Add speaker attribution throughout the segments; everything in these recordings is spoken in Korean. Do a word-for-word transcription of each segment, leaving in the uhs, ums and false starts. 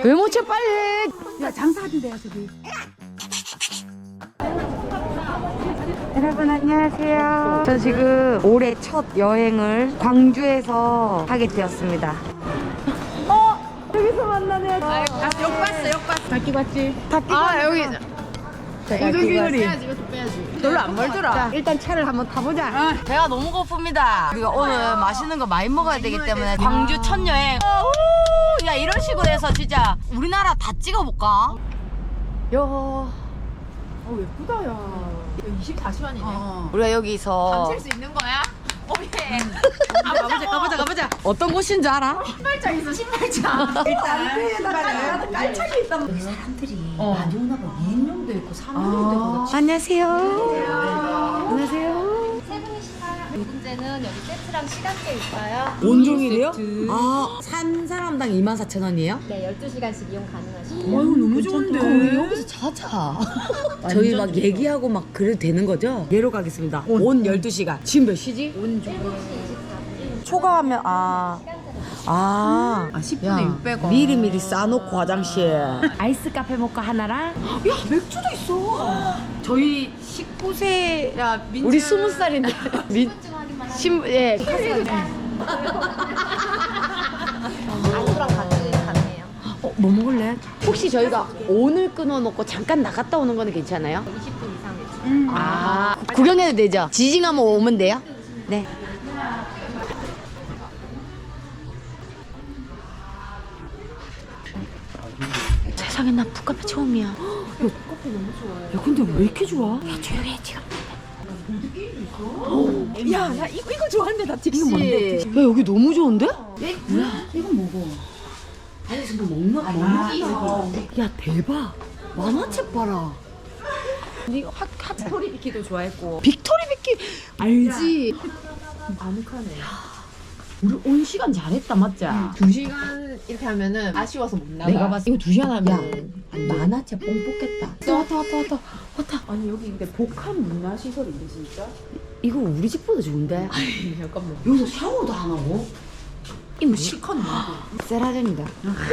Speaker 1: 왜 못 쳐 빨리.
Speaker 2: 야 장사하던데요 저기. 여러분 안녕하세요.
Speaker 1: 저 지금 올해 첫 여행을 광주에서 하게 되었습니다. 어? 여기서 만나네.
Speaker 2: 아, 역 봤어 역 봤어. 닭기 봤지?
Speaker 1: 아 여기
Speaker 2: 우두기거리.
Speaker 1: 빼야지 이것도 빼야지. 별로 안 멀더라. 일단 차를 한번 타보자.
Speaker 2: 어.
Speaker 1: 배가 너무 고픕니다. 우리가 오늘 맛있는 거 많이 먹어야 되기 때문에 광주 첫 여행. 어, 야 이런 식으로 해서 진짜 우리나라 다 찍어볼까? 야
Speaker 2: 어 예쁘다 야. 이십사 시간이네. 어.
Speaker 1: 우리가 여기서
Speaker 2: 수 있는 거야? 오예. 아, 가보자 가보자 가보자.
Speaker 1: 어떤 곳인 줄 알아?
Speaker 2: 신발장 있어 신발장. 일단 깔창이 있다.
Speaker 3: 여기 사람들이 많이 오나 봐. 이 인용도 있고 삼 인용도 있고.
Speaker 1: 안녕하세요. 안녕하세요.
Speaker 4: 세 분이시나 두 번째는 여기 세트랑 시간대 있어요.
Speaker 1: 온종일이요? 아, 한 사람당 이만 사천 원이에요?
Speaker 4: 네, 열두 시간씩 이용 가능하시고.
Speaker 2: 아이고 너무 좋은데.
Speaker 1: 여기서 자자. 저희 막 얘기하고 막 그래도 되는 거죠? 예로 가겠습니다. 온 열두 시간. 지금 몇 시지?
Speaker 4: 일곱 시 이십사 분.
Speaker 1: 초과하면 아. 아,
Speaker 2: 아, 십 분에 육백 원.
Speaker 1: 미리미리 싸놓고 화장실. 아이스 카페 모카 하나랑.
Speaker 2: 야 맥주도 있어.
Speaker 1: 저희 십구 세.
Speaker 2: 야 민주.
Speaker 1: 우리 스무 살인데. 민. 신, 예.
Speaker 4: 안주랑 같이 가능해요.
Speaker 1: 어, 뭐 먹을래? 혹시 저희가 오늘 끊어놓고 잠깐 나갔다 오는 거는 괜찮아요?
Speaker 4: 이십 분 이상.
Speaker 2: 음.
Speaker 1: 아, 구경해도 되죠? 지징하면 오면 돼요? 네. 세상에 나 북카페 처음이야. 야, 북카페 너무 좋아해. 야, 근데 왜 이렇게 좋아? 야, 조용히 해, 지금.
Speaker 2: 야 나 이거 이거 좋아하는데 나 특시.
Speaker 1: 이거 뭔데? 야, 여기 너무 좋은데?
Speaker 3: 뭐야? 이건 뭐고?
Speaker 1: 아니, 지금 먹는, 먹는 게 야, 대박. 만화책 봐라.
Speaker 2: 이거 핫 핫토리 비키도 좋아했고.
Speaker 1: 빅토리 비키 알지?
Speaker 2: 아늑하네.
Speaker 1: 우리 온 시간 잘했다, 맞지?
Speaker 2: 두 시간 이렇게 하면은 아쉬워서 못 나가.
Speaker 1: 내가 봤을 때
Speaker 2: 이거 두 시간
Speaker 1: 야,
Speaker 2: 하면.
Speaker 1: 만화책 뽕 뽑겠다. 왔다, 왔다, 왔다, 왔다.
Speaker 2: 아니 여기 근데 복합 문화 시설인데 진짜?
Speaker 1: 이거 우리 집보다 좋은데?
Speaker 2: 잠깐만.
Speaker 1: 여기서 샤워도 안 하고?
Speaker 2: 이거 실컷 나고.
Speaker 1: 세라젠이다.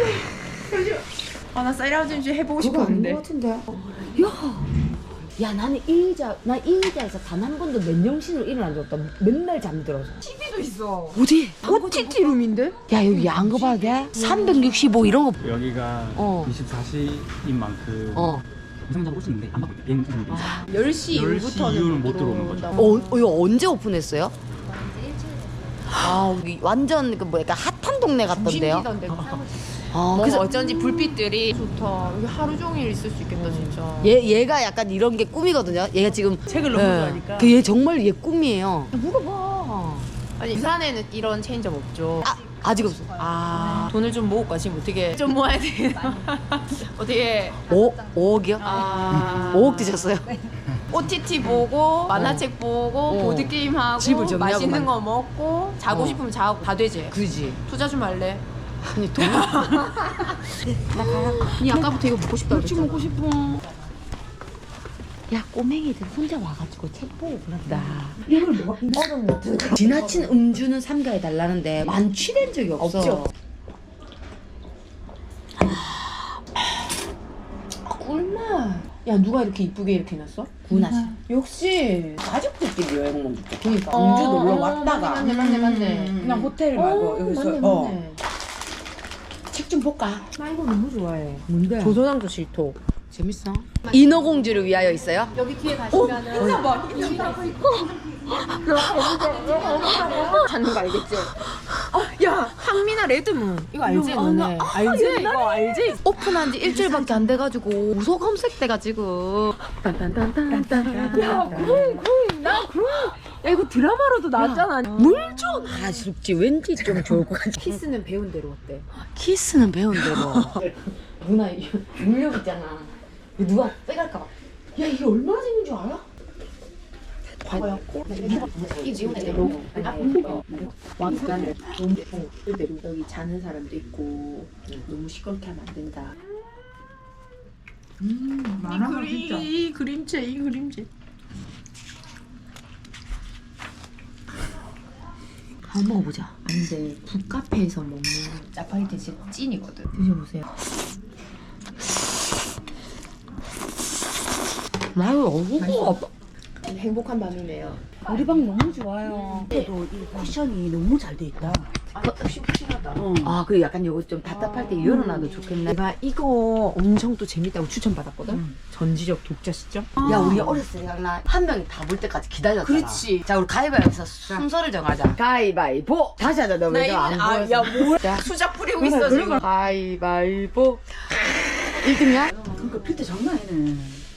Speaker 2: 아나 사이라우진지 해보고
Speaker 1: 그거 아닌
Speaker 2: 싶었는데.
Speaker 1: 것 같은데? 야, 야 나는 이 의자, 나 이 의자에서 단 한 번도 맨정신으로 일을 안 줬다. 맨날 잠들어서.
Speaker 2: 티비도 있어.
Speaker 1: 어디?
Speaker 2: 오티티 룸인데?
Speaker 1: 야 여기 야한 거 봐도 돼? 삼백육십오 이런 거.
Speaker 5: 여기가
Speaker 1: 어.
Speaker 5: 이십사 시인 만큼
Speaker 1: 어.
Speaker 5: 상장 오시는데 안 받고 있대. 비행 중인데.
Speaker 2: 열 시
Speaker 5: 열 시
Speaker 2: 이후부터는
Speaker 5: 이후는 못 들어오는 거죠.
Speaker 1: 어, 어 이거 언제 오픈했어요?
Speaker 4: 이제 일주일
Speaker 1: 아 여기 완전 그 뭐 약간 핫한 동네 같던데요?
Speaker 2: 중심지던데.
Speaker 1: 아
Speaker 2: 그래서
Speaker 1: 그래서
Speaker 2: 어쩐지 불빛들이 좋다. 여기 하루 종일 있을 수 있겠다 진짜.
Speaker 1: 얘 얘가 약간 이런 게 꿈이거든요. 얘가 지금
Speaker 2: 책을 너무 좋아하니까.
Speaker 1: 그얘 정말 얘 꿈이에요. 물어봐.
Speaker 2: 아니 부산에는 이런 체인점 없죠.
Speaker 1: 아 아직 없어.
Speaker 2: 아 돈을 좀 모을까 지금 어떻게 좀 모아야 되나? 어떻게?
Speaker 1: 오 오억이요?
Speaker 2: 아
Speaker 1: 오억 드셨어요?
Speaker 2: 오티티 보고 만화책 보고
Speaker 1: 어.
Speaker 2: 보드 게임 하고
Speaker 1: 집을 정리하고
Speaker 2: 맛있는
Speaker 1: 만-
Speaker 2: 거 먹고 자고
Speaker 1: 어.
Speaker 2: 싶으면 자고 다 되지.
Speaker 1: 그지.
Speaker 2: 투자 좀 할래?
Speaker 1: 아니 돈.
Speaker 2: 니 아까부터 이거 먹고 싶다 그랬잖아.
Speaker 1: 먹고 싶어. 야 꼬맹이들 혼자 와가지고 책 보고 그런다. 이걸 뭐 얼음 노트. 지나친 음주는 삼가해 달라는데 만취된 적이 없어.
Speaker 2: 없죠.
Speaker 1: 아,
Speaker 2: 꿀맛. 야 누가 이렇게 이쁘게 이렇게 해놨어?
Speaker 1: 구나 씨.
Speaker 2: 역시.
Speaker 1: 가족들끼리 여행 먹을 때. 그러니까
Speaker 2: 어,
Speaker 1: 음주 놀러
Speaker 2: 어,
Speaker 1: 왔다가.
Speaker 2: 맞네 맞네 맞네.
Speaker 1: 음.
Speaker 2: 그냥 호텔 말고 여기서
Speaker 1: 맞네,
Speaker 2: 어.
Speaker 1: 맞네. 책 좀 볼까?
Speaker 2: 나 이거 너무 좋아해.
Speaker 1: 뭔데?
Speaker 2: 조선왕조 실토.
Speaker 1: 재밌어. 인어공주를 위하여 있어요?
Speaker 4: 여기 뒤에 가시면은
Speaker 2: 찾는 거 알겠지? 야 항미나 레드문 이거 알지 너네? 알지? 이거 알지?
Speaker 1: 오픈한 지 일주일밖에 안 돼가지고 우소 검색대가 지금.
Speaker 2: 야 그럼 그럼 나 그럼 야 이거 드라마로도 나왔잖아.
Speaker 1: 물 좀. 아 쉽지. 왠지 좀 좋을 것 같아.
Speaker 2: 키스는 배운 대로 어때?
Speaker 1: 키스는 배운 대로. 누나 이거 물력 있잖아. 이거 누가 빼갈까 봐. 야 이게 얼마나 재밌는 줄 알아?
Speaker 2: 왕관을 여기 자는 사람도 있고 너무 시끄럽게 하면 안 된다. 음, 많아 진짜. 이 그림체 이 그림체.
Speaker 3: 한번 먹어보자.
Speaker 2: 근데 북카페에서 먹는 짜파게티 진짜 찐이거든. 드셔보세요.
Speaker 3: 나요
Speaker 2: 맛있어. 행복한 밤이네요.
Speaker 3: 우리 방 너무 좋아요. 그래도 이 쿠션이 너무 잘 돼 있다.
Speaker 2: 아, 푹신푹신하다.
Speaker 3: 아, 그 약간 요거 좀 답답할 때 열어놔도 좋겠네.
Speaker 2: 내가 이거 엄청 또 재밌다고 추천받았거든?
Speaker 3: 음.
Speaker 2: 전지적 독자 시점?
Speaker 3: 야, 우리 어렸을 때 생각나. 한 명이 다 볼 때까지 기다렸잖아.
Speaker 2: 그렇지.
Speaker 3: 자, 우리 가위바위보에서 순서를 정하자.
Speaker 2: 가위바위보! 다시 하자, 너 왜 안 보였어? 야, 뭐 수작 뿌리고 있어, 지금. 가위바위보. 일 등이야?
Speaker 3: 그러니까 필터 장난 아니네.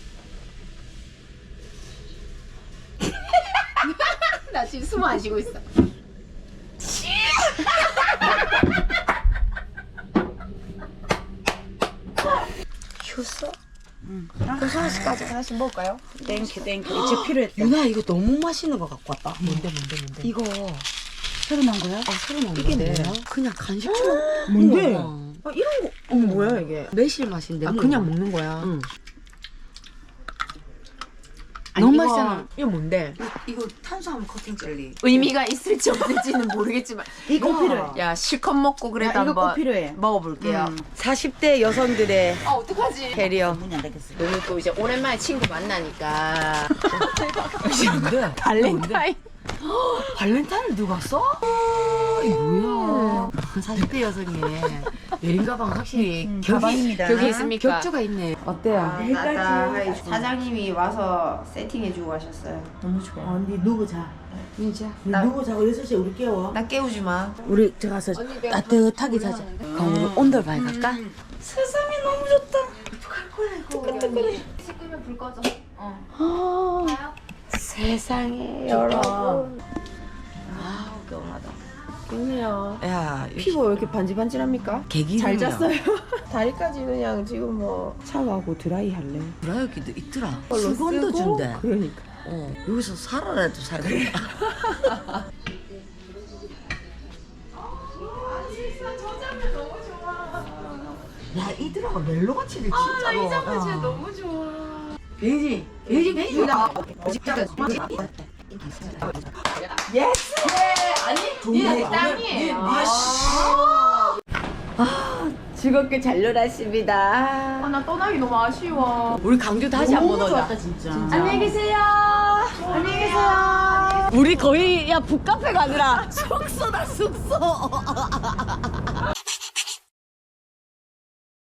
Speaker 2: 나 지금 숨 안 쉬고 있어. 효소? 응. 효소 하나씩까지 하나씩 먹을까요?
Speaker 3: 땡큐, 땡큐. 이제 필요했다.
Speaker 2: 유나 이거 너무 맛있는 거 갖고 왔다. 뭔데 뭔데 뭔데?
Speaker 3: 이거 새로 나온 거야?
Speaker 2: 아 새로 나온 이게 뭐야? 그냥 간식처럼
Speaker 3: 뭔데?
Speaker 2: 아 이런 거 어, 뭐야 이게? 매실 맛인데 아 그냥 먹는 거야.
Speaker 3: 응.
Speaker 2: 아니,
Speaker 3: 너무
Speaker 2: 이거-
Speaker 3: 맛있잖아.
Speaker 2: 이거 뭔데?
Speaker 3: 이거 탄수화물 커팅 젤리.
Speaker 2: 의미가 있을지 없을지는 모르겠지만
Speaker 3: 이거 필요해.
Speaker 2: 야 실컷 먹고 그래도
Speaker 3: 야, 이거 꼭
Speaker 2: 한번
Speaker 3: 필요해.
Speaker 2: 먹어볼게요.
Speaker 3: 음.
Speaker 2: 사십 대 여성들의
Speaker 3: 아, 어떡하지?
Speaker 2: 캐리어.
Speaker 3: 문이 안 닫혔어.
Speaker 2: 오늘 또 이제 오랜만에 친구 만나니까
Speaker 3: 뭔데?
Speaker 2: 발렌타인.
Speaker 3: 발렌타인을 누가 써? 이게 뭐야? 사십 대 여성의 여행 가방 확실히 격이,
Speaker 2: 가방입니다.
Speaker 3: 격이
Speaker 2: 있습니까?
Speaker 3: 격조가 있네. 어때요?
Speaker 2: 아, 사장님이 와서 세팅해주고 가셨어요. 너무 좋아.
Speaker 6: 언니 누구 자?
Speaker 2: 진짜?
Speaker 6: 나 누구 자고 여섯 시에 우리 깨워?
Speaker 2: 나 깨우지 마.
Speaker 3: 우리 저 가서 따뜻하게 자자. 그럼 우리 온돌바에 갈까?
Speaker 2: 세상이 너무 좋다.
Speaker 4: 식구면 불 꺼져.
Speaker 2: 세상에 여러분. 아, 개운하다. 개운해요.
Speaker 3: 야,
Speaker 2: 피부 왜 이렇게 반질반질합니까?
Speaker 3: 개기름이야.
Speaker 2: 잘 잤어요. 다리까지 그냥 지금 뭐 샤워하고 드라이 할래.
Speaker 3: 브라이어기도 있더라.
Speaker 2: 걸로
Speaker 3: 수건도
Speaker 2: 쓰고?
Speaker 3: 준대.
Speaker 2: 그러니까.
Speaker 3: 어, 여기서 살아라도 살겠다. 야, 이들하고 멜로같이 진짜로. 아, 나 이 장면 진짜 너무 좋아. 베이지, 베이지, 베이지. 예스! 아니,
Speaker 2: 땅이에요.
Speaker 3: 아,
Speaker 2: 즐겁게 잘 놀았습니다.
Speaker 4: 아, 나 떠나기 너무 아쉬워.
Speaker 2: 우리 강주 다시 한번 오자.
Speaker 3: 좋았다, 진짜.
Speaker 4: 안녕히 계세요. 안녕히 계세요.
Speaker 2: 우리 거의 야 북카페가 아니라 숙소다 숙소.